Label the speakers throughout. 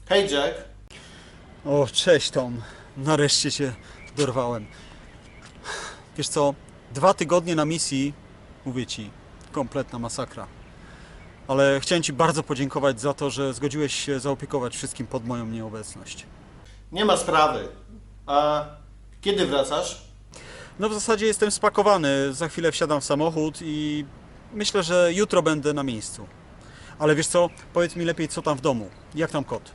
Speaker 1: Hej Jack.
Speaker 2: O, cześć Tom. Nareszcie cię dorwałem. Wiesz co, 2 tygodnie na misji, mówię ci, kompletna masakra. Ale chciałem ci bardzo podziękować za to, że zgodziłeś się zaopiekować wszystkim pod moją nieobecność.
Speaker 1: Nie ma sprawy. A kiedy wracasz?
Speaker 2: No w zasadzie jestem spakowany, za chwilę wsiadam w samochód i myślę, że jutro będę na miejscu. Ale wiesz co, powiedz mi lepiej co tam w domu, jak tam kot?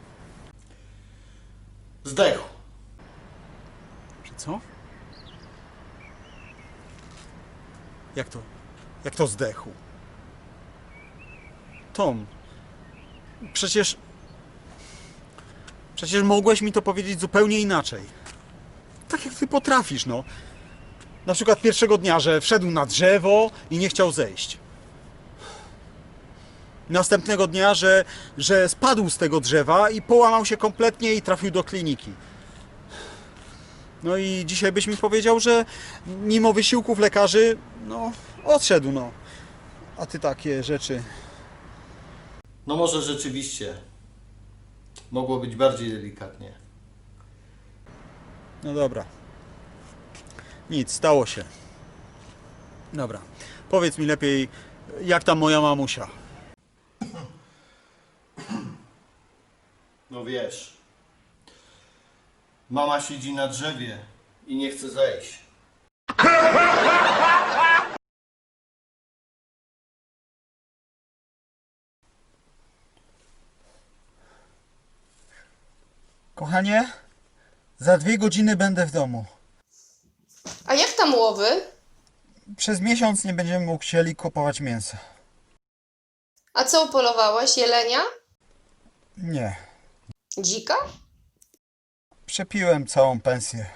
Speaker 1: Zdechł.
Speaker 2: Że co? Jak to zdechł? Tom, przecież mogłeś mi to powiedzieć zupełnie inaczej. Tak jak ty potrafisz, no. Na przykład pierwszego dnia, że wszedł na drzewo i nie chciał zejść. Następnego dnia, że spadł z tego drzewa i połamał się kompletnie i trafił do kliniki. No i dzisiaj byś mi powiedział, że mimo wysiłków lekarzy, no, odszedł, no. A ty takie rzeczy.
Speaker 1: No może rzeczywiście. Mogło być bardziej delikatnie.
Speaker 2: No dobra. Nic, stało się. Dobra. Powiedz mi lepiej, jak tam moja mamusia?
Speaker 1: No wiesz. Mama siedzi na drzewie i nie chce zejść.
Speaker 2: Kochanie, za 2 godziny będę w domu.
Speaker 3: A jak tam łowy?
Speaker 2: Przez miesiąc nie będziemy musieli kupować mięsa.
Speaker 3: A co upolowałeś? Jelenia?
Speaker 2: Nie.
Speaker 3: Dzika?
Speaker 2: Przepiłem całą pensję.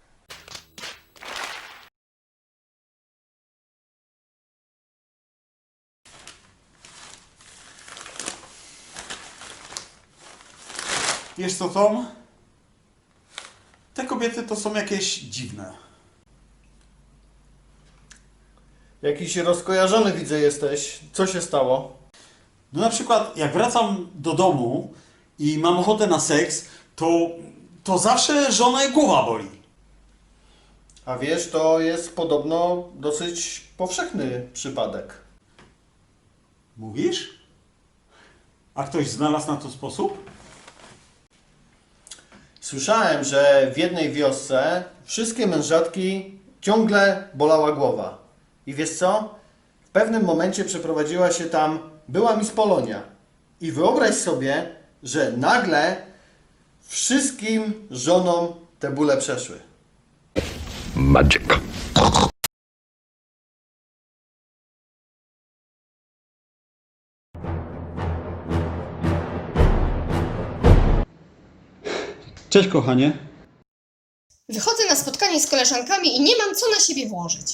Speaker 2: Wiesz co, Tom? Te kobiety to są jakieś dziwne.
Speaker 1: Jakiś rozkojarzony widzę jesteś. Co się stało?
Speaker 2: No na przykład jak wracam do domu i mam ochotę na seks, to zawsze żonę głowa boli.
Speaker 1: A wiesz, to jest podobno dosyć powszechny przypadek.
Speaker 2: Mówisz? A ktoś znalazł na to sposób?
Speaker 1: Słyszałem, że w jednej wiosce wszystkie mężatki ciągle bolała głowa. I wiesz co? W pewnym momencie przeprowadziła się tam była Miss Polonia. I wyobraź sobie, że nagle wszystkim żonom te bóle przeszły.
Speaker 4: Magic.
Speaker 2: Cześć kochanie.
Speaker 3: Wychodzę na spotkanie z koleżankami i nie mam co na siebie włożyć.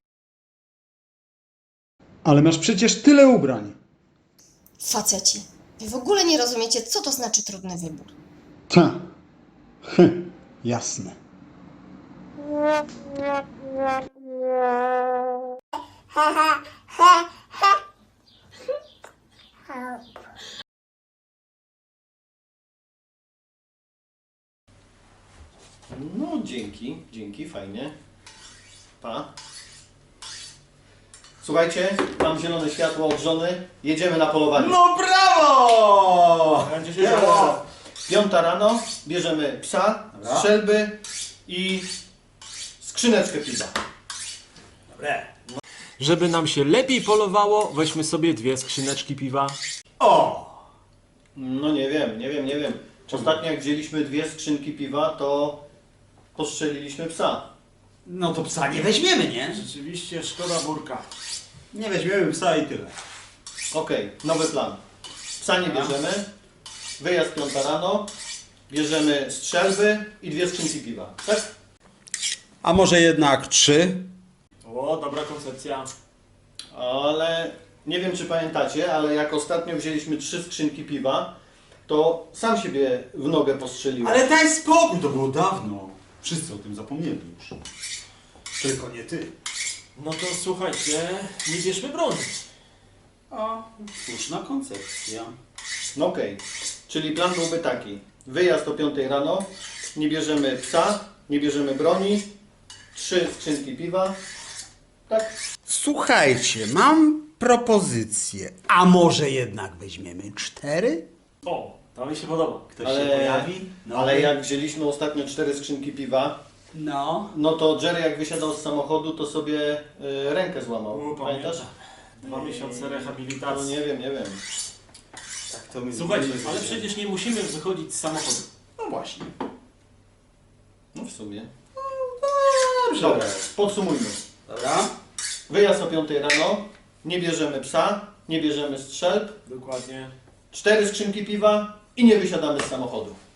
Speaker 2: Ale masz przecież tyle ubrań.
Speaker 3: Faceci, wy w ogóle nie rozumiecie, co to znaczy trudny wybór.
Speaker 2: Ta. Jasne.
Speaker 1: No dzięki, fajnie. Pa. Słuchajcie, mam zielone światło od żony, jedziemy na polowanie.
Speaker 2: No brawo!
Speaker 1: Będzie się działo. 5 rano, bierzemy psa, strzelby i skrzyneczkę piwa.
Speaker 5: Żeby nam się lepiej polowało, weźmy sobie 2 skrzyneczki piwa.
Speaker 1: No nie wiem. Ostatnio jak wzięliśmy 2 skrzynki piwa, to postrzeliliśmy psa.
Speaker 2: No to psa nie weźmiemy, nie?
Speaker 5: Rzeczywiście szkoda burka.
Speaker 2: Nie weźmiemy psa i tyle.
Speaker 1: Okej, nowy plan. Psa nie bierzemy, wyjazd 5 rano, bierzemy strzelby i 2 skrzynki piwa. Tak?
Speaker 2: A może jednak 3?
Speaker 5: O, dobra koncepcja.
Speaker 1: Ale nie wiem czy pamiętacie, ale jak ostatnio wzięliśmy 3 skrzynki piwa, to sam siebie w nogę postrzeliłem.
Speaker 2: Ale daj spokój, to było dawno. Wszyscy o tym zapomnieli już. Tylko nie ty.
Speaker 5: No to słuchajcie, nie bierzmy broni.
Speaker 2: A, słuszna koncepcja.
Speaker 1: No okej. Czyli plan byłby taki. Wyjazd o 5 rano, nie bierzemy psa, nie bierzemy broni, 3 skrzynki piwa. Tak?
Speaker 6: Słuchajcie, mam propozycję. A może jednak weźmiemy 4?
Speaker 5: O, to mi się podoba.
Speaker 2: Ktoś się pojawi?
Speaker 1: Ale jak wzięliśmy ostatnio 4 skrzynki piwa,
Speaker 6: No.
Speaker 1: no to Jerry jak wysiadał z samochodu, to sobie rękę złamał. Pamiętasz?
Speaker 5: 2 miesiące
Speaker 1: No
Speaker 5: rehabilitacji.
Speaker 1: nie wiem.
Speaker 6: Tak to my
Speaker 5: Słuchajcie,
Speaker 6: zrobimy.
Speaker 5: ale przecież nie musimy wychodzić z samochodu.
Speaker 6: No właśnie.
Speaker 1: No w sumie.
Speaker 6: Dobrze.
Speaker 1: Dobra, podsumujmy.
Speaker 6: Dobra.
Speaker 1: Wyjazd o 5 rano, nie bierzemy psa, nie bierzemy strzelb,
Speaker 5: Dokładnie.
Speaker 1: 4 skrzynki piwa i nie wysiadamy z samochodu.